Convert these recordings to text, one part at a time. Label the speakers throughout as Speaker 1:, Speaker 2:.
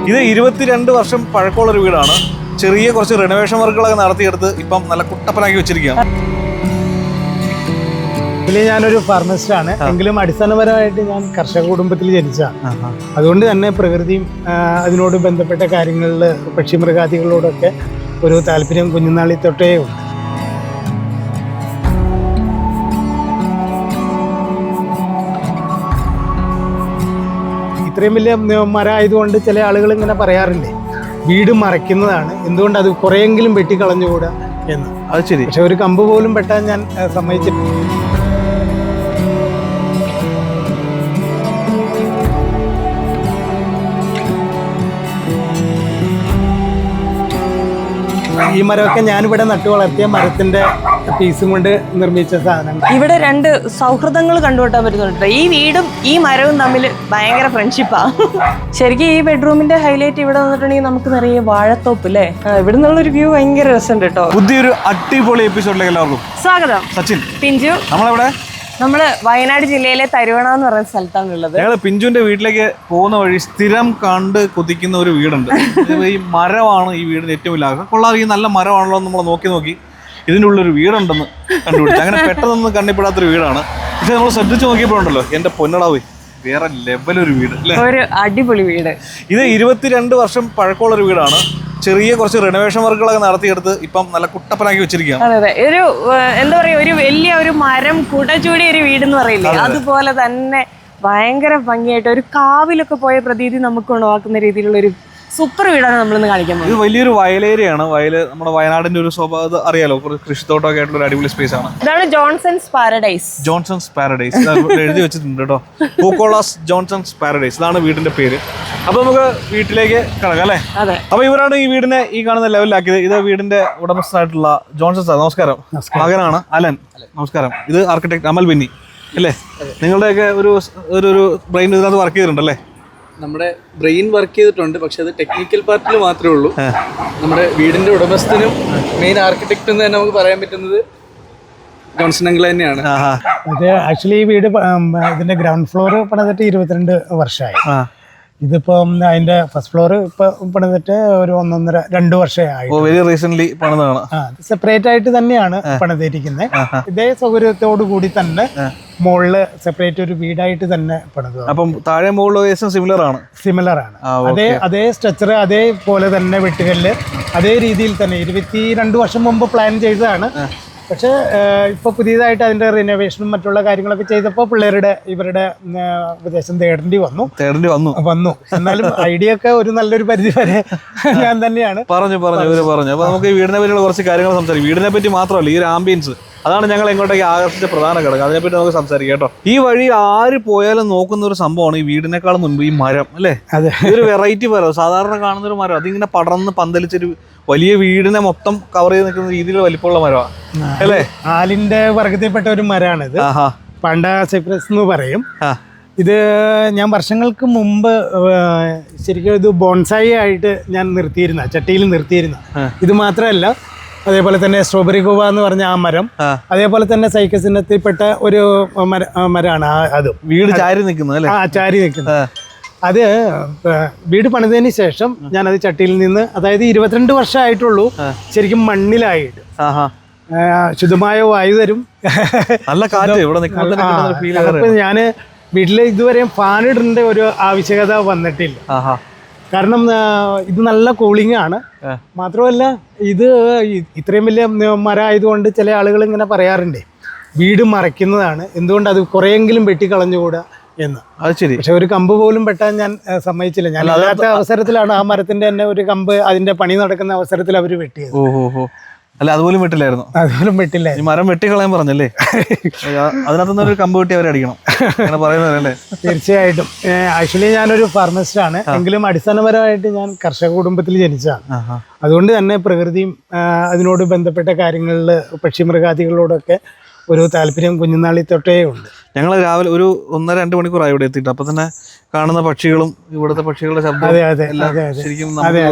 Speaker 1: ഇത് 22 വർഷം പഴക്കമുള്ള ഒരു വീടാണ്. ചെറിയ കുറച്ച് റിനോവേഷൻ വർക്കുകളൊക്കെ നടത്തിയെടുത്ത് ഇപ്പം നല്ല കുട്ടപ്പനാക്കി വെച്ചിരിക്കുകയാണ്.
Speaker 2: ഞാനൊരു ഫാർമസിസ്റ്റാണ്, എങ്കിലും അടിസ്ഥാനപരമായിട്ട് ഞാൻ കർഷക കുടുംബത്തിൽ ജനിച്ചതാണ്. അതുകൊണ്ട് തന്നെ പ്രകൃതിയും അതിനോട് ബന്ധപ്പെട്ട കാര്യങ്ങളിൽ പക്ഷിമൃഗാദികളോടൊക്കെ ഒരു താല്പര്യം കുഞ്ഞുനാളി തൊട്ടേ ഉണ്ട്. ഇത്രയും വലിയ മരം ആയതുകൊണ്ട് ചില ആളുകൾ ഇങ്ങനെ പറയാറുണ്ട്, വീട് മറയ്ക്കുന്നതാണ്, എന്തുകൊണ്ട് അത് കുറെയെങ്കിലും വെട്ടിക്കളഞ്ഞുകൂടാ എന്ന്.
Speaker 1: അത് ശരി.
Speaker 2: പക്ഷെ ഒരു കമ്പ് പോലും വെട്ടാൻ ഞാൻ സമ്മതിച്ചിട്ടില്ല. ഈ മരമൊക്കെ ഞാനിവിടെ നട്ടു വളർത്തിയ മരത്തിന്റെ പീസും കൊണ്ട് നിർമ്മിച്ച സാധനം.
Speaker 3: ഇവിടെ രണ്ട് സൗഹൃദങ്ങൾ കണ്ടുപിട്ടാൻ പറ്റുന്നുണ്ട്. ഈ വീടും ഈ മരവും തമ്മിൽ ഭയങ്കര ഫ്രണ്ട്ഷിപ്പാണ്. ശരിക്കും ഈ ബെഡ്റൂമിന്റെ ഹൈലൈറ്റ് ഇവിടെ വന്നിട്ടുണ്ടെങ്കിൽ നമുക്ക് നിറയെ വാഴത്തോപ്പ് അല്ലേ. ഇവിടെ നിന്നുള്ളൊരു വ്യൂ ഭയങ്കര രസമുണ്ട് കേട്ടോ.
Speaker 1: പുതിയൊരു അടിപൊളി എപ്പിസോഡിലേക്ക് എല്ലാവർക്കും
Speaker 3: സ്വാഗതം.
Speaker 1: സച്ചിൻ,
Speaker 3: പിഞ്ചു.
Speaker 1: നമ്മള്
Speaker 3: വയനാട് ജില്ലയിലെ തരുവണ എന്ന് പറയുന്ന സ്ഥലത്താണ് ഉള്ളത്.
Speaker 1: ഞങ്ങള് പിഞ്ചുവിന്റെ വീട്ടിലേക്ക് പോകുന്ന വഴി സ്ഥിരം കണ്ട് കൊതിക്കുന്ന ഒരു വീടുണ്ട്. ഈ മരമാണ് ഈ വീടിന് ഏറ്റവും വലിയ ആഗ്രഹം. കൊള്ളാതെ ഈ നല്ല മരമാണല്ലോ നമ്മൾ നോക്കി ഇതിൻ്റെ ഉള്ളൊരു വീടുണ്ടെന്ന് കണ്ടുപിടിച്ചു. അങ്ങനെ പെട്ടെന്നൊന്നും കണ്ണിപ്പെടാത്തൊരു വീടാണ്. പക്ഷെ നമ്മൾ ശ്രദ്ധിച്ച് നോക്കിയപ്പോഴുണ്ടല്ലോ, എന്റെ പൊന്നടാവേ, വേറെ ലെവലൊരു വീട് അല്ലേ, ഒരു
Speaker 3: അടിപൊളി വീട്.
Speaker 1: ഇത് 22 വർഷം പഴക്കമുള്ളൊരു വീടാണ്. ചെറിയ കുറച്ച് റിനോവേഷൻ വർക്കുകളൊക്കെ നടത്തിയെടുത്ത് ഇപ്പം നല്ല കുട്ടപ്പനാക്കി വെച്ചിരിക്കുകയാണ്.
Speaker 3: അതെ, ഒരു എന്താ പറയാ, ഒരു വലിയ ഒരു മരം കുടചൂടിയ ഒരു വീട് എന്ന് പറയില്ലേ, അതുപോലെ തന്നെ ഭയങ്കര ഭംഗിയായിട്ട് ഒരു കാവിലൊക്കെ പോയ പ്രതീതി നമുക്ക് ഉണവാക്കുന്ന രീതിയിലുള്ള ഒരു സൂപ്പർ വീടാണ് നമ്മളിന്ന് കാണിക്കുന്നത്.
Speaker 1: ഇത് വലിയൊരു വയലേരിയാണ്. നമ്മുടെ വയനാടിന്റെ ഒരു സ്വഭാവം അറിയാലോ, കൃഷിത്തോട്ടമൊക്കെ ആയിട്ടുള്ള ഒരു അടിപൊളി സ്പേസ് ആണ്.
Speaker 3: ഇതാണ് ജോൺസൺസ് പാരഡൈസ്.
Speaker 1: ജോൺസൺസ് പാരഡൈസ് എഴുതി വെച്ചിട്ടുണ്ട് കേട്ടോ. പൂക്കോളാസ് ജോൺസൺസ് പാരഡൈസ്, ഇതാണ് വീടിന്റെ പേര്. അപ്പൊ നമുക്ക് വീട്ടിലേക്ക് കിടക്കാം അല്ലേ. അപ്പൊ ഇവരാണ് ഈ വീടിനെ ഈ കാണുന്ന ലെവലിലാക്കിയത്. ഇത് വീടിന്റെ ഉടമസ്ഥനായിട്ടുള്ള ജോൺസൺ സാർ, നമസ്കാരം. മകനാണ് അലൻ, നമസ്കാരം. ഇത് ആർക്കിടെക്ട് അമൽ ബെന്നി അല്ലേ. നിങ്ങളുടെയൊക്കെ ഒരു ബ്രെയിൻ ഇതിനകത്ത് വർക്ക് ചെയ്തിട്ടുണ്ടല്ലേ.
Speaker 4: നമ്മുടെ ബ്രെയിൻ വർക്ക് ചെയ്തിട്ടുണ്ട്, പക്ഷെ അത് ടെക്നിക്കൽ പാർട്ടിൽ മാത്രമേ ഉള്ളൂ. നമ്മുടെ വീടിന്റെ ഉടമസ്ഥനും മെയിൻ ആർക്കിടെക്ട് എന്ന് തന്നെ നമുക്ക് പറയാൻ പറ്റുന്നത് ജോൺസൺ അങ്കിൾ തന്നെയാണ്.
Speaker 2: ഇത് ആക്ച്വലി ഈ വീട് ഇതിന്റെ ഗ്രൗണ്ട് ഫ്ലോർ പണിതിട്ട് 22 വർഷമായി. ഇതിപ്പം അതിന്റെ ഫസ്റ്റ് ഫ്ലോർ ഇപ്പൊ പണിതിട്ട് ഒരു 1.5-2 വർഷമായി. സെപ്പറേറ്റ് ആയിട്ട് തന്നെയാണ് പണിതിരിക്കുന്നത്. ഇതേ സൗകര്യത്തോടു കൂടി തന്നെ മുകളില് സെപ്പറേറ്റ് ഒരു വീടായിട്ട് തന്നെ പണിത്.
Speaker 1: അപ്പം താഴെ മുകളിൽ സിമിലർ ആണ്.
Speaker 2: അതേ സ്ട്രക്ചർ, അതേപോലെ തന്നെ വെട്ടുകല്ല്, അതേ രീതിയിൽ തന്നെ 22 വർഷം മുമ്പ് പ്ലാൻ ചെയ്തതാണ്. പക്ഷെ ഇപ്പൊ പുതിയതായിട്ട് അതിന്റെ റിനോവേഷനും മറ്റുള്ള കാര്യങ്ങളൊക്കെ ചെയ്തപ്പോൾ ഇവരുടെ ഉപദേശം തേടേണ്ടി വന്നു. എന്നാലും ഐഡിയ ഒക്കെ ഒരു നല്ലൊരു പരിധി വരെ ഞാൻ തന്നെയാണ്
Speaker 1: പറഞ്ഞു. അപ്പൊ നമുക്ക് ഈ വീടിനെ പറ്റിയുള്ള കുറച്ച് കാര്യങ്ങൾ സംസാരിക്കും. വീടിനെ പറ്റി മാത്രമല്ല, ഈ ഒരു ആംബിയൻസ്, അതാണ് ഞങ്ങൾ എങ്ങോട്ടേക്ക് ആകർഷിച്ച പ്രധാന ഘടകം. അതിനെപ്പറ്റി നമുക്ക് സംസാരിക്കാം കേട്ടോ. ഈ വഴി ആര് പോയാലും നോക്കുന്ന ഒരു സംഭവമാണ് ഈ വീടിനേക്കാൾ മുൻപ് ഈ മരം അല്ലേ. ഇതൊരു വെറൈറ്റി മരം, സാധാരണ കാണുന്ന ഒരു മരം. അതിങ്ങനെ പടർന്ന് പന്തലിച്ചൊരു വലിയ വീടിനെ മൊത്തം കവർ ചെയ്ത് നിൽക്കുന്ന രീതിയിൽ വലിപ്പമുള്ള മരമാണ് അല്ലേ.
Speaker 2: ആലിന്റെ വർഗത്തിൽപ്പെട്ട ഒരു മരമാണിത്. പണ്ട സൈപ്രസ് എന്ന് പറയും. ഇത് ഞാൻ വർഷങ്ങൾക്ക് മുമ്പ് ശരിക്കും ഇത് ബോൺസായി ആയിട്ട് ഞാൻ ചട്ടിയിൽ നിർത്തിയിരുന്ന. ഇത് മാത്രമല്ല, അതേപോലെ തന്നെ സ്ട്രോബെറി ഗോവ എന്ന് പറഞ്ഞ ആ മരം, അതേപോലെ തന്നെ സൈക്കസ് ഇനത്തിൽപ്പെട്ട ഒരു മരമാണ് അതും.
Speaker 1: വീട് ചാരി നിൽക്കുന്നത്.
Speaker 2: ചാരി നിൽക്കുന്നത്. അത് വീട് പണിതതിന് ശേഷം ഞാനത് ചട്ടിയിൽ നിന്ന്, അതായത് 22 വർഷമായിട്ടുള്ളൂ ശരിക്കും മണ്ണിലായിട്ട്. ശുദ്ധമായ വായു തരും,
Speaker 1: നല്ല കാറ്റ് ഇവിടെ.
Speaker 2: ഞാന് വീട്ടില് ഇതുവരെയും ഫാൻ ഇടേണ്ട ഒരു ആവശ്യകത വന്നിട്ടില്ല. കാരണം ഇത് നല്ല കൂളിംഗ് ആണ്. മാത്രമല്ല, ഇത് ഇത്രയും വലിയ മരം ആയതുകൊണ്ട് ചില ആളുകൾ ഇങ്ങനെ പറയാറുണ്ട്, വീട് മറയ്ക്കുന്നതാണ്, എന്തുകൊണ്ട് അത് കുറെയെങ്കിലും വെട്ടിക്കളഞ്ഞുകൂടാ എന്ന്.
Speaker 1: അത് ശരി.
Speaker 2: പക്ഷെ ഒരു കമ്പ് പോലും വെട്ടാൻ ഞാൻ സമ്മതിച്ചില്ല. ഞാൻ അല്ലാത്ത അവസരത്തിലാണ് ആ മരത്തിന്റെ തന്നെ ഒരു കമ്പ് അതിന്റെ പണി നടക്കുന്ന അവസരത്തിൽ അവർ വെട്ടിയത്.
Speaker 1: അല്ല, അതുപോലും വെട്ടില്ലായിരുന്നു. ഈ മരം വെട്ടിക്കളയാൻ പറഞ്ഞല്ലേ. അതിനകത്തുനിന്ന് ഒരു കമ്പ് വെട്ടി അവരെ അടിക്കണം പറയുന്നതല്ലേ.
Speaker 2: തീർച്ചയായിട്ടും. ആക്ച്വലി ഞാനൊരു ഫാർമസിസ്റ്റാണ്, എങ്കിലും അടിസ്ഥാനപരമായിട്ട് ഞാൻ കർഷക കുടുംബത്തിൽ ജനിച്ചതാണ്. അതുകൊണ്ട് തന്നെ പ്രകൃതിയും അതിനോട് ബന്ധപ്പെട്ട കാര്യങ്ങളിൽ പക്ഷിമൃഗാദികളോടൊക്കെ ഒരു താല്പര്യം കുഞ്ഞുനാളി തൊട്ടേ ഉണ്ട്.
Speaker 1: ഞങ്ങൾ രാവിലെ ഒരു 1-2 മണിക്കൂറായി ഇവിടെ എത്തിയിട്ട്. അപ്പൊ തന്നെ കാണുന്ന പക്ഷികളും ഇവിടുത്തെ പക്ഷികളുടെ ശബ്ദം ശരിക്കും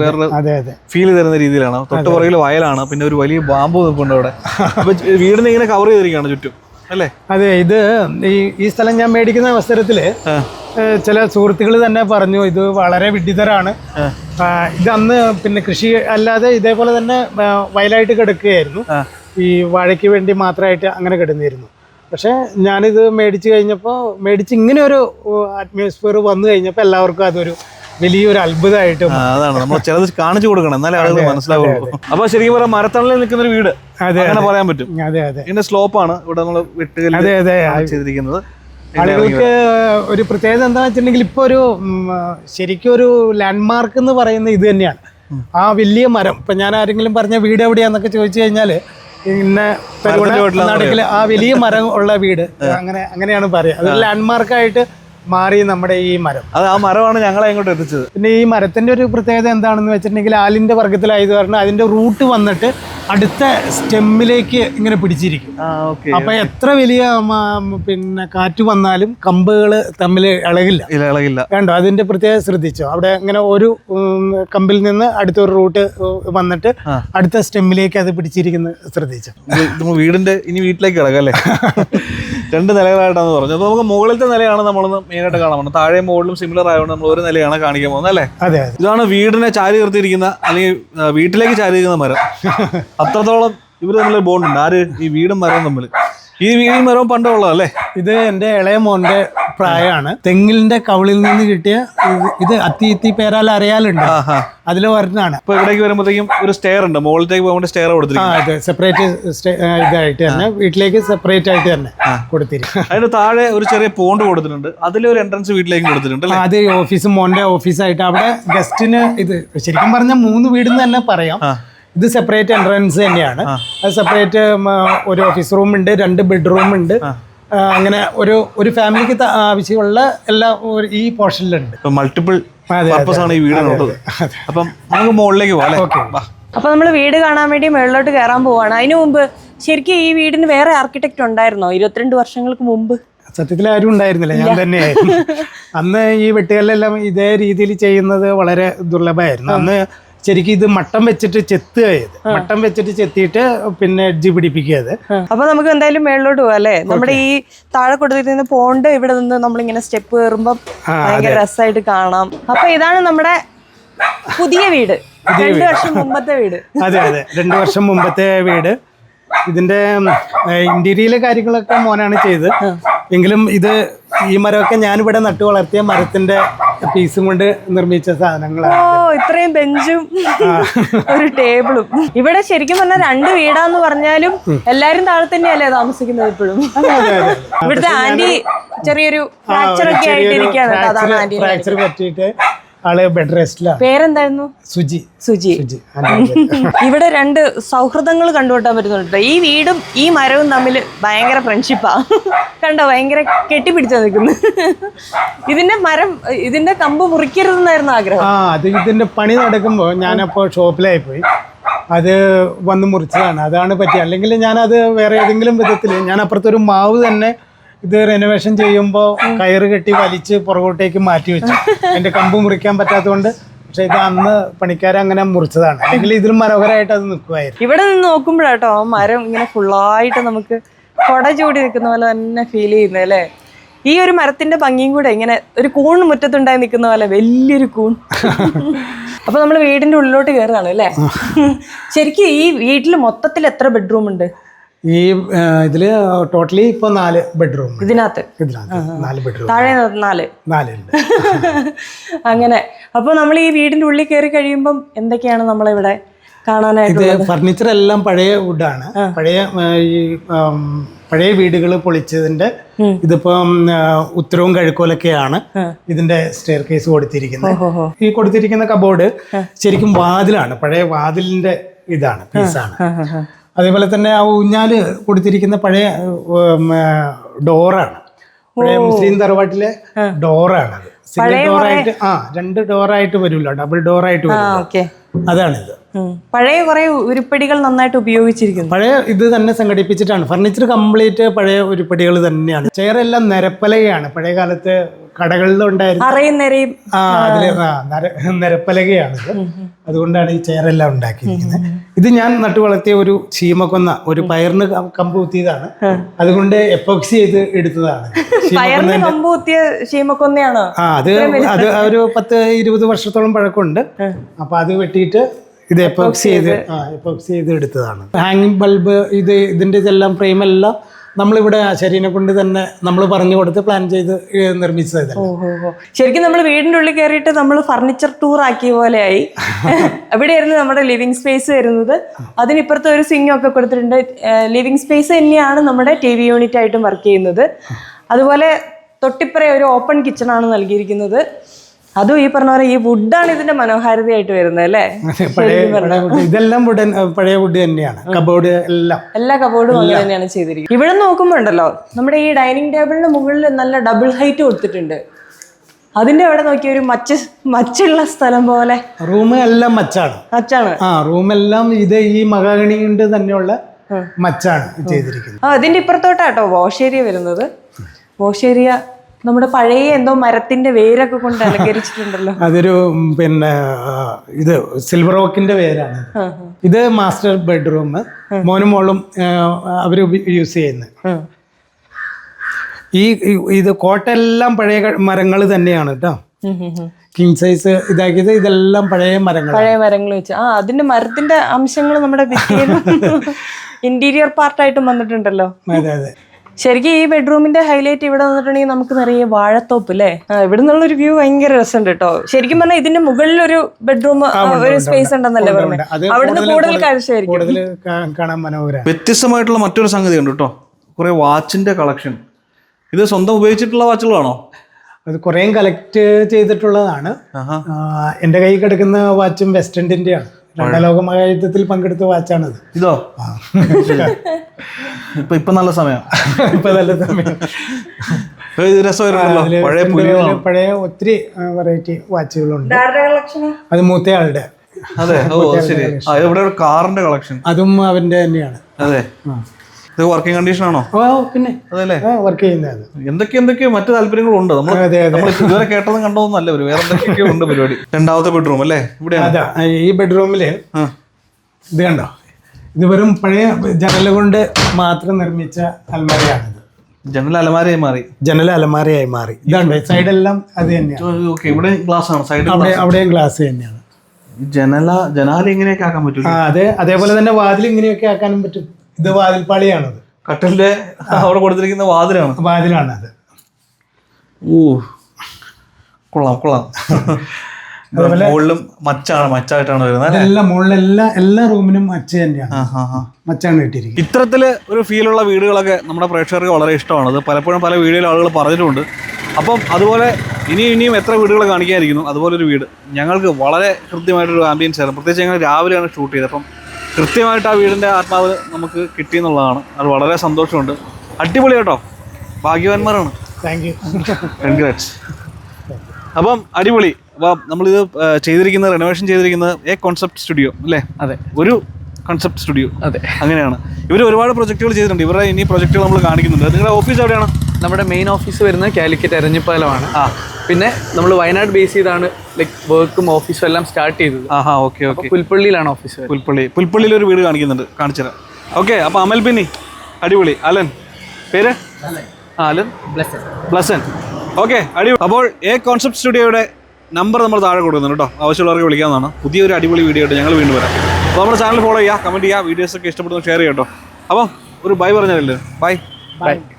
Speaker 1: ഫീൽ തരുന്ന രീതിയിലാണ്. തൊട്ട് പുറകിൽ വയലാണ്, പിന്നെ ഒരു വലിയ ബാമ്പു നിൽപ്പുണ്ട് അവിടെ. അപ്പൊ വീടിനെ ഇങ്ങനെ കവർ ചെയ്തിരിക്കുകയാണ് ചുറ്റും അല്ലേ.
Speaker 2: അതെ, ഇത് ഈ സ്ഥലം ഞാൻ മേടിക്കുന്ന അവസരത്തില് ചില സുഹൃത്തുക്കൾ തന്നെ പറഞ്ഞു ഇത് വളരെ വിഡിതരാണ്. ഇത് അന്ന് പിന്നെ കൃഷി അല്ലാതെ ഇതേപോലെ തന്നെ വയലായിട്ട് കിടക്കുകയായിരുന്നു. ഈ വാഴയ്ക്ക് വേണ്ടി മാത്രമായിട്ട് അങ്ങനെ കിടന്നിരുന്നു. പക്ഷേ ഞാനിത് മേടിച്ച് ഇങ്ങനെ ഒരു അറ്റ്മോസ്ഫിയർ വന്നു കഴിഞ്ഞപ്പോൾ എല്ലാവർക്കും അതൊരു വലിയൊരു അത്ഭുതമായിട്ട്.
Speaker 1: അതാണ് നമ്മൾ ചിലത് കാണിച്ചു കൊടുക്കണം, എന്നാലേ ആളുകൾ മനസ്സിലാവുള്ളൂ. അപ്പൊ ശരിക്കും പറയാം മരത്തണലിൽ നിൽക്കുന്ന ഒരു വീട് അങ്ങനെ പറയാൻ പറ്റും.
Speaker 2: അതെ അതെ.
Speaker 1: ഇതിന്റെ സ്ലോപ്പാണ് ഇവിടെ നമ്മൾ ചെയ്തിരിക്കുന്നത്.
Speaker 2: ആളുകൾക്ക് ഒരു പ്രത്യേകത എന്താണെന്ന് വെച്ചിട്ടുണ്ടെങ്കിൽ ഇപ്പോൾ ഒരു ശരിക്കും ഒരു ലാൻഡ്മാർക്ക് എന്ന് പറയുന്നത് ഇത് തന്നെയാണ്. ആ വലിയ മരം ഇപ്പം ഞാൻ ആരെങ്കിലും പറഞ്ഞ വീട് എവിടെയാന്നൊക്കെ ചോദിച്ചു കഴിഞ്ഞാൽ ഇന്ന നാട്ടിൽ ആ വലിയ മരം ഉള്ള വീട് അങ്ങനെയാണ് പറയുക. അതൊരു ലാൻഡ്മാർക്കായിട്ട് മാറി നമ്മുടെ ഈ മരം.
Speaker 1: അത് ആ മരമാണ് ഞങ്ങളെ ഇങ്ങോട്ട് എത്തിച്ചത്.
Speaker 2: പിന്നെ ഈ മരത്തിന്റെ ഒരു പ്രത്യേകത എന്താണെന്ന് വെച്ചിട്ടുണ്ടെങ്കിൽ ആലിന്റെ വർഗ്ഗത്തിലായത് കാരണം അതിന്റെ റൂട്ട് വന്നിട്ട് അടുത്ത സ്റ്റെമ്മിലേക്ക് ഇങ്ങനെ പിടിച്ചിരിക്കും. അപ്പൊ എത്ര വലിയ പിന്നെ കാറ്റ് വന്നാലും കമ്പുകൾ തമ്മിൽ ഇളകില്ല. കണ്ടോ, അതിന്റെ പ്രത്യേകത ശ്രദ്ധിച്ചോ? അവിടെ ഇങ്ങനെ ഒരു കമ്പിൽ നിന്ന് അടുത്തൊരു റൂട്ട് വന്നിട്ട് അടുത്ത സ്റ്റെമ്മിലേക്ക് അത് പിടിച്ചിരിക്കുന്നത് ശ്രദ്ധിച്ചോ?
Speaker 1: വീടിന്റെ ഇനി വീട്ടിലേക്ക് കിടക്കാം അല്ലേ? 2 നിലകളായിട്ടാണ് പറഞ്ഞത്. അപ്പൊ നമുക്ക് മുകളിലത്തെ നിലയാണ് നമ്മളൊന്ന് മെയിനായിട്ട് കാണാൻ പോകുന്നത്. താഴെ മുകളിലും സിമിലർ ആയതുകൊണ്ട് നമ്മൾ ഒരു നിലയാണ് കാണിക്കാൻ പോകുന്നത് അല്ലേ?
Speaker 2: അതെ.
Speaker 1: ഇതാണ് വീടിനെ ചാരി നിർത്തിയിരിക്കുന്ന അല്ലെങ്കിൽ വീട്ടിലേക്ക് ചാരിയിരിക്കുന്ന മരം. അത്രത്തോളം ഇവർ തമ്മിൽ ബോണ്ടുണ്ട്. ആര്? ഈ വീടും മരവും തമ്മിൽ. ഈ മരവും പണ്ടുള്ളതല്ലേ?
Speaker 2: ഇത് എൻ്റെ ഇളയ മോന്റെ പ്രായമാണ്. തെങ്ങിലിന്റെ കവിളിൽ നിന്ന് കിട്ടിയ ഇത് അത്തി പേരാൽ അറിയാലുണ്ട്, അതിൽ ഒരെണ്ണാണ്.
Speaker 1: ഇപ്പൊ ഇവിടേക്ക് വരുമ്പോഴത്തേക്കും ഒരു സ്റ്റെയർ ഉണ്ട്, മുകളിലേക്ക് പോകുമ്പോൾ സ്റ്റെയർ കൊടുത്തിരിക്കും.
Speaker 2: സെപ്പറേറ്റ് ഇതായിട്ട് തന്നെ വീട്ടിലേക്ക് സെപ്പറേറ്റ് ആയിട്ട് തന്നെ കൊടുത്തിരിക്കും.
Speaker 1: അതിന് താഴെ ഒരു ചെറിയ പോണ്ട് കൊടുത്തിട്ടുണ്ട്, അതിലൊരു എൻട്രൻസ് വീട്ടിലേക്ക് കൊടുത്തിട്ടുണ്ട്.
Speaker 2: അത് ഓഫീസ്, മോന്റെ ഓഫീസായിട്ട് അവിടെ ഗസ്റ്റിന് ഇത് ശരിക്കും പറഞ്ഞാൽ 3 വീടെന്ന് തന്നെ പറയാം. ഇത് സെപ്പറേറ്റ് എൻട്രൻസ് തന്നെയാണ്. അത് സെപ്പറേറ്റ് ഒരു ഓഫീസ് റൂം ഉണ്ട്, 2 ബെഡ്റൂം ഉണ്ട്. അങ്ങനെ ഒരു ഫാമിലിക്ക് ആവശ്യമുള്ള എല്ലാ ഈ പോർഷനിലുണ്ട്.
Speaker 1: മൾട്ടിപ്പിൾ പർപ്പസ് ആണ് ഈ വീടിനുള്ളത്. അപ്പം നമുക്ക് മുകളിലേക്ക് പോകാം.
Speaker 3: അപ്പൊ നമ്മൾ വീട് കാണാൻ വേണ്ടി മുകളിലോട്ട് കയറാൻ പോവാണ്. അതിനു മുമ്പ് ശരിക്കും ഈ വീടിന് വേറെ ആർക്കിടെക്ട് ഉണ്ടായിരുന്നോ 22 വർഷങ്ങൾക്ക് മുമ്പ്?
Speaker 2: സത്യത്തിൽ ആരും ഉണ്ടായിരുന്നില്ല, ഞാൻ തന്നെയായിരുന്നു. അന്ന് ഈ വെട്ടുകല്ലെല്ലാം ഇതേ രീതിയിൽ ചെയ്യുന്നത് വളരെ ദുർലഭമായിരുന്നു. അന്ന് ശരിക്കും ഇത് മട്ടം വെച്ചിട്ട് ചെത്തിയിട്ട് പിന്നെ എഡ്ജ് പിടിപ്പിക്കുക.
Speaker 3: അപ്പൊ നമുക്ക് എന്തായാലും മേളിലോട്ട് പോവാം അല്ലേ? നമ്മുടെ ഈ താഴെ കൊടുത്തിരിക്കുന്ന പോണ്ട് ഇവിടെ നിന്ന് നമ്മളിങ്ങനെ സ്റ്റെപ്പ് കയറുമ്പോ ഭയങ്കര രസമായിട്ട് കാണാം. അപ്പൊ ഇതാണ് നമ്മുടെ പുതിയ വീട്, 2 വർഷം മുമ്പത്തെ വീട്.
Speaker 2: അതെ 2 വർഷം മുമ്പത്തെ വീട്. ഇതിന്റെ ഇന്റീരിയറിലെ കാര്യങ്ങളൊക്കെ മോനാണ് ചെയ്ത്. എങ്കിലും ഈ മരമൊക്കെ ഞാനിവിടെ നട്ടു വളർത്തിയ മരത്തിന്റെ പീസും കൊണ്ട് നിർമ്മിച്ച സാധനങ്ങളാണ്.
Speaker 3: ഇത്രയും ബെഞ്ചും ഒരു ടേബിളും. ഇവിടെ ശരിക്കും പറഞ്ഞാൽ 2 വീടാന്ന് പറഞ്ഞാലും എല്ലാരും താഴെ തന്നെയല്ലേ താമസിക്കുന്നത് ഇപ്പോഴും. ഇവിടുത്തെ ആന്റി ചെറിയൊരു ഫ്രാക്ചർ ഒക്കെ ആയിട്ടിരിക്കുകയാണ്. അതാണ് ആന്റി
Speaker 2: ഫ്രാക്ചർ പറ്റിയിട്ട് ആള് ബെഡ് റെസ്റ്റിലാണ്.
Speaker 3: പേരെന്തായിരുന്നു?
Speaker 2: സുജി.
Speaker 3: ഇവിടെ 2 സൗഹൃദങ്ങൾ കണ്ടുകൂട്ടാൻ പറ്റുന്നുണ്ട്. ഈ വീടും ഈ മരവും തമ്മിൽ ഭയങ്കര ഫ്രണ്ട്ഷിപ്പാ. കണ്ടോ, ഭയങ്കര കെട്ടിപ്പിടിച്ചാ നിൽക്കുന്നു. ഇതിന്റെ കമ്പ് മുറിക്കരുതെന്നായിരുന്നു ആഗ്രഹം.
Speaker 2: അത് ഇതിന്റെ പണി നടക്കുമ്പോ ഞാനപ്പോ ഷോപ്പിലായി പോയി, അത് വന്ന് മുറിച്ചതാണ്. അതാണ് പറ്റിയത്. അല്ലെങ്കിൽ ഞാനത് വേറെ ഏതെങ്കിലും വിധത്തിൽ ഞാൻ അപ്പുറത്തൊരു മാവ് തന്നെ ഇത് റെനോവേഷൻ ചെയ്യുമ്പോൾ കയറ് കെട്ടി വലിച്ച് പുറകോട്ടേക്ക് മാറ്റി വെച്ചു. അതിന്റെ കമ്പ് മുറിക്കാൻ പറ്റാത്തതുകൊണ്ട്. പക്ഷെ ഇത് അന്ന് പണിക്കാരങ്ങനെ മുറിച്ചതാണ്, അല്ലെങ്കിൽ ഇതിലും മനോഹരമായിട്ട് അത് നിൽക്കുമായിരുന്നു.
Speaker 3: ഇവിടെ നിന്ന് നോക്കുമ്പോഴാട്ടോ മരം ഇങ്ങനെ ഫുള്ളായിട്ട് നമുക്ക് കൊട ചൂടി നിൽക്കുന്ന പോലെ തന്നെ ഫീൽ ചെയ്യുന്നത് അല്ലേ? ഈ ഒരു മരത്തിന്റെ ഭംഗിയും കൂടെ ഇങ്ങനെ ഒരു കൂൺ മുറ്റത്തുണ്ടായി നിൽക്കുന്ന പോലെ വലിയൊരു കൂൺ. അപ്പൊ നമ്മൾ വീടിന്റെ ഉള്ളിലോട്ട് കയറുകയാണ് അല്ലേ? ശരിക്കും ഈ വീട്ടിൽ മൊത്തത്തിൽ എത്ര ബെഡ്റൂം ഉണ്ട്?
Speaker 2: ഈ ഇതില് ടോട്ടലി ഇപ്പൊ 4 ബെഡ്റൂം.
Speaker 3: ഇതിനകത്ത്
Speaker 2: 4 ബെഡ്റൂം, താഴെ 4 ഉണ്ട്.
Speaker 3: അങ്ങനെ. അപ്പൊ നമ്മൾ ഈ വീടിന്റെ ഉള്ളിൽ കയറി കഴിയുമ്പം എന്തൊക്കെയാണ് നമ്മളിവിടെ കാണാനായിട്ട്?
Speaker 2: ഫർണിച്ചർ എല്ലാം പഴയ വുഡാണ്. പഴയ വീടുകൾ പൊളിച്ചതിന്റെ ഇതിപ്പം ഉത്തരവും കിഴക്കോലൊക്കെയാണ് ഇതിന്റെ സ്റ്റെയർ കേസ് കൊടുത്തിരിക്കുന്നത്. ഈ കൊടുത്തിരിക്കുന്ന കബോർഡ് ശരിക്കും വാതിലാണ്, പഴയ വാതിലിന്റെ ഇതാണ്, പീസാണ്. അതേപോലെ തന്നെ ആ ഊഞ്ഞാല് കൊടുത്തിരിക്കുന്ന പഴയ ഡോറാണ്, പഴയ മുസ്ലിം തറവാട്ടിലെ ഡോറാണത്. സിംഗിൾ ഡോറായിട്ട് 2 ഡോറായിട്ട് വരുമല്ലോ, ഡബിൾ ഡോറായിട്ട് വരുമല്ലോ, അതാണിത്.
Speaker 3: പഴയ കുറെ ഉരുപ്പടികൾ നന്നായിട്ട് ഉപയോഗിച്ചിരിക്കുന്നു.
Speaker 2: പഴയ ഇത് തന്നെ സംഘടിപ്പിച്ചിട്ടാണ്. ഫർണിച്ചർ കംപ്ലീറ്റ് പഴയ ഉരുപ്പടികൾ തന്നെയാണ്. ചെയറെല്ലാം നിരപ്പലകയാണ്, പഴയ കാലത്ത് കടകളിലുണ്ടായിരുന്നു.
Speaker 3: അറിയുന്നേരെയും
Speaker 2: അതില് നിരപ്പലകയാണിത്. അതുകൊണ്ടാണ് ഈ ചെയറെല്ലാം ഉണ്ടാക്കിയിരിക്കുന്നത്. ഇത് ഞാൻ നട്ടു വളർത്തിയ ഒരു ചീമക്കൊന്ന, ഒരു പയറിന് കമ്പ് കുത്തിയതാണ്. അതുകൊണ്ട് എപ്പോക്സി ചെയ്ത് എടുത്തതാണ്.
Speaker 3: പയറിന് കമ്പ് കുത്തിയ ചീമക്കൊന്നയാണോ?
Speaker 2: അത് ഒരു 10-20 വർഷത്തോളം പഴക്കമുണ്ട്. അപ്പൊ അത് വെട്ടിയിട്ട് ഇത് എപ്പോക്സി ചെയ്ത് എടുത്തതാണ്. ഹാങ്ങിങ് ബൾബ്, ഇതിന്റെ ഇതെല്ലാം ഫ്രെയിമെല്ലാം നമ്മളിവിടെ ശരീരം കൊണ്ട് തന്നെ നമ്മൾ പറഞ്ഞു കൊടുത്ത് പ്ലാൻ ചെയ്ത് നിർമ്മിച്ചത്.
Speaker 3: ശരിക്കും നമ്മൾ വീടിന്റെ ഉള്ളിൽ കയറിയിട്ട് നമ്മൾ ഫർണിച്ചർ ടൂർ ആക്കിയ പോലെയായി. എവിടെയായിരുന്നു നമ്മുടെ ലിവിങ് സ്പേസ് വരുന്നത്. അതിനിപ്പുറത്ത് ഒരു സിങ് ഒക്കെ കൊടുത്തിട്ടുണ്ട്. ലിവിങ് സ്പേസ് തന്നെയാണ് നമ്മുടെ TV യൂണിറ്റ് ആയിട്ടും വർക്ക് ചെയ്യുന്നത്. അതുപോലെ തൊട്ടിപ്പുറ ഒരു ഓപ്പൺ കിച്ചൺ ആണ് നൽകിയിരിക്കുന്നത്. അതും ഈ പറഞ്ഞ പോലെ ഈ വുഡാണ് ഇതിന്റെ മനോഹാരിതയായിട്ട് വരുന്നത് അല്ലേ?
Speaker 2: ഇതെല്ലാം പഴയ വുഡ് തന്നെയാണ്. കബോർഡ് എല്ലാ
Speaker 3: കബോർഡും അങ്ങനെ തന്നെയാണ് ചെയ്തിരിക്കുന്നത്. ഇവിടെ നോക്കുമ്പോൾ ഉണ്ടല്ലോ, നമ്മുടെ ഈ ഡൈനിങ് ടേബിളിന് മുകളിൽ നല്ല ഡബിൾ ഹൈറ്റ് കൊടുത്തിട്ടുണ്ട്. അതിന്റെ അവിടെ നോക്കിയ ഒരു മച്ചുള്ള സ്ഥലം പോലെ.
Speaker 2: റൂം എല്ലാം മച്ചാണ്. റൂമെല്ലാം ഇത് ഈ മഹാഗണി കൊണ്ട് തന്നെയുള്ള മച്ചാണ് ചെയ്തിരിക്കുന്നത്.
Speaker 3: അതിന്റെ ഇപ്പുറത്തോട്ടാട്ടോ വാഷ് ഏരിയ വരുന്നത്. വാഷ് ഏരിയ നമ്മുടെ പഴയ എന്തോ മരത്തിന്റെ വേരൊക്കെ കൊണ്ട് അലങ്കരിച്ചിട്ടുണ്ടല്ലോ.
Speaker 2: അതൊരു ഇത് സിൽവർ ഓക്കിന്റെ വേരാണ്. ഇത് മാസ്റ്റർ ബെഡ്റൂം. മോനും മോളും അവര് യൂസ് ചെയ്യുന്നത്. ഇത് കോട്ടെല്ലാം പഴയ മരങ്ങൾ തന്നെയാണ് കേട്ടോ. കിങ് സൈസ് ഇതാക്കിയത് ഇതെല്ലാം പഴയ മരങ്ങൾ
Speaker 3: വെച്ച് അതിന്റെ മരത്തിന്റെ അംശങ്ങൾ നമ്മുടെ ഇന്റീരിയർ പാർട്ടായിട്ടും വന്നിട്ടുണ്ടല്ലോ.
Speaker 2: അതെ.
Speaker 3: ശരിക്കും ഈ ബെഡ്റൂമിന്റെ ഹൈലൈറ്റ് ഇവിടെ വന്നിട്ടുണ്ടെങ്കിൽ നമുക്ക് നിറയെ വാഴത്തോപ്പ് അല്ലേ. ഇവിടെ നിന്നുള്ളൊരു വ്യൂ ഭയങ്കര രസമുണ്ട് കേട്ടോ. ശരിക്കും പറഞ്ഞാൽ ഇതിന്റെ മുകളിൽ ഒരു ബെഡ്റൂം ഒരു സ്പേസ് ഉണ്ടെന്നല്ലേ പറഞ്ഞത്. അവിടുന്ന് കൂടുതൽ കാഴ്ചയായിരിക്കും.
Speaker 1: വ്യത്യസ്തമായിട്ടുള്ള മറ്റൊരു സംഗതി ഉണ്ട് കേട്ടോ. കുറെ വാച്ചിന്റെ കളക്ഷൻ. ഇത് സ്വന്തം ഉപയോഗിച്ചിട്ടുള്ള വാച്ചുകളാണോ?
Speaker 2: അത് കുറേ കളക്ട് ചെയ്തിട്ടുള്ളതാണ്. എൻ്റെ കയ്യിൽ കിടക്കുന്ന വാച്ചും വെസ്റ്റേണിന്റെ ആണ്. രണ്ടാം ലോക മഹായുദ്ധത്തിൽ പങ്കെടുത്ത വാച്ചാണത്.
Speaker 1: ഇതോ? ഇപ്പൊ നല്ല സമയം.
Speaker 2: പഴയ ഒത്തിരി വെറൈറ്റി വാച്ചുകളുണ്ട്. അത് മൂത്തയാളുടെ.
Speaker 1: അതെ, ഇവിടെ ഒരു കാറിന്റെ കളക്ഷൻ.
Speaker 2: അതും അവന്റെ തന്നെയാണ്.
Speaker 1: അതെ. ഇത് വർക്കിംഗ് കണ്ടീഷൻ ആണോ?
Speaker 2: പിന്നെ
Speaker 1: അതല്ലേ
Speaker 2: വർക്ക് ചെയ്യുന്നത്.
Speaker 1: എന്തൊക്കെയോ മറ്റു താല്പര്യങ്ങളുണ്ട്. നമ്മൾ ഇതുവരെ കേട്ടതും കണ്ടതൊന്നല്ല. വേറെ എന്തൊക്കെയോ ഉണ്ട് പരിപാടി. രണ്ടാമത്തെ ബെഡ്റൂം അല്ലേ? ഇവിടെ
Speaker 2: ഈ ബെഡ്റൂമില് ഇത് കണ്ടോ, ഇത് വെറും പഴയ ജനല കൊണ്ട് മാത്രം നിർമ്മിച്ച അലമാരയാണിത്.
Speaker 1: ജനൽ അലമാരയായി മാറി.
Speaker 2: ഇതാണ് സൈഡെല്ലാം അത് തന്നെയാണ്.
Speaker 1: ഇവിടെ ഗ്ലാസ് ആണ്. സൈഡ്
Speaker 2: അവിടെയും ഗ്ലാസ് തന്നെയാണ്.
Speaker 1: ജനാല ഇങ്ങനെയൊക്കെ ആക്കാൻ പറ്റും.
Speaker 2: അതേപോലെ തന്നെ വാതിൽ ഇങ്ങനെയൊക്കെ ആക്കാനും പറ്റും. ഇത് വാതിൽപ്പാളിയാണത്.
Speaker 1: കട്ടലിന്റെ അവിടെ കൊടുത്തിരിക്കുന്ന വാതിലാണത്. കൊള്ളാം. മുകളിലും മച്ചായിട്ടാണ് വരുന്നത്.
Speaker 2: എല്ലാ റൂമിനും മച്ച തന്നെയാണ്. മച്ചാണ് കിട്ടിയിരിക്കുന്നത്.
Speaker 1: ഇത്തരത്തില് ഒരു ഫീലുള്ള വീടുകളൊക്കെ നമ്മുടെ പ്രേക്ഷകർക്ക് വളരെ ഇഷ്ടമാണ്. അത് പലപ്പോഴും പല വീടുകളിൽ ആളുകൾ പറഞ്ഞിട്ടുണ്ട്. അപ്പം അതുപോലെ ഇനിയും എത്ര വീടുകൾ കാണിക്കാതിരിക്കുന്നു. അതുപോലൊരു വീട് ഞങ്ങൾക്ക് വളരെ കൃത്യമായിട്ടൊരു ആംബിയൻസ് ആയിരുന്നു. പ്രത്യേകിച്ച് ഞങ്ങൾ രാവിലെയാണ് ഷൂട്ട് ചെയ്തത്. അപ്പം കൃത്യമായിട്ട് ആ വീടിൻ്റെ ആത്മാവ് നമുക്ക് കിട്ടിയെന്നുള്ളതാണ്. അത് വളരെ സന്തോഷമുണ്ട്. അടിപൊളി കേട്ടോ. ഭാഗ്യവാന്മാരാണ്.
Speaker 2: Thank you.
Speaker 1: കൺഗ്രാറ്റ്സ്. അപ്പം അടിപൊളി. അപ്പോൾ നമ്മളിത് ചെയ്തിരിക്കുന്നത്, റെനോവേഷൻ ചെയ്തിരിക്കുന്നത് കോൺസെപ്റ്റ് സ്റ്റുഡിയോ അല്ലേ?
Speaker 4: അതെ,
Speaker 1: ഒരു കൺസെപ്റ്റ് സ്റ്റുഡിയോ.
Speaker 4: അതെ,
Speaker 1: അങ്ങനെയാണ്. ഇവർ ഒരുപാട് പ്രൊജക്റ്റുകൾ ചെയ്തിട്ടുണ്ട്. ഇവരുടെ ഇനി പ്രൊജക്റ്റുകൾ നമ്മൾ കാണിക്കുന്നുണ്ട്. നിങ്ങളുടെ ഓഫീസ് എവിടെയാണ്?
Speaker 4: നമ്മുടെ മെയിൻ ഓഫീസ് വരുന്നത് കാലിക്കറ്റ് എരഞ്ഞിപ്പാലമാണ്. പിന്നെ നമ്മൾ വയനാട് ബേസ് ചെയ്താണ് വർക്കും ഓഫീസും എല്ലാം സ്റ്റാർട്ട് ചെയ്തത്.
Speaker 1: ഓക്കെ.
Speaker 4: പുൽപ്പള്ളിയിലാണ് ഓഫീസ്.
Speaker 1: പുൽപ്പള്ളിയിൽ ഒരു വീട് കാണിക്കുന്നുണ്ട്, കാണിച്ചുതരാം. ഓക്കെ. അപ്പോൾ അമൽ പിന്നി അടിപൊളി. അലൻ പേര്? അലൻ ബ്ലസൻ. ഓക്കെ, അടിപൊളി. അപ്പോൾ കോൺസെപ്റ്റ് സ്റ്റുഡിയോയുടെ നമ്പർ നമ്മൾ താഴെ കൊടുക്കുന്നുണ്ട് കേട്ടോ. ആവശ്യമുള്ളവർക്ക് വിളിക്കാവുന്നതാണ്. പുതിയൊരു അടിപൊളി വീഡിയോ ആയിട്ട് ഞങ്ങൾ വീണ്ടും വരാം. അപ്പോൾ നമ്മുടെ ചാനൽ ഫോളോ ചെയ്യുക, കമൻറ്റ് ചെയ്യുക, വീഡിയോസൊക്കെ ഇഷ്ടപ്പെടുന്ന ഷെയർ ചെയ്യാം കേട്ടോ. അപ്പം ഒരു ബൈ പറഞ്ഞതല്ലേ? ബൈ.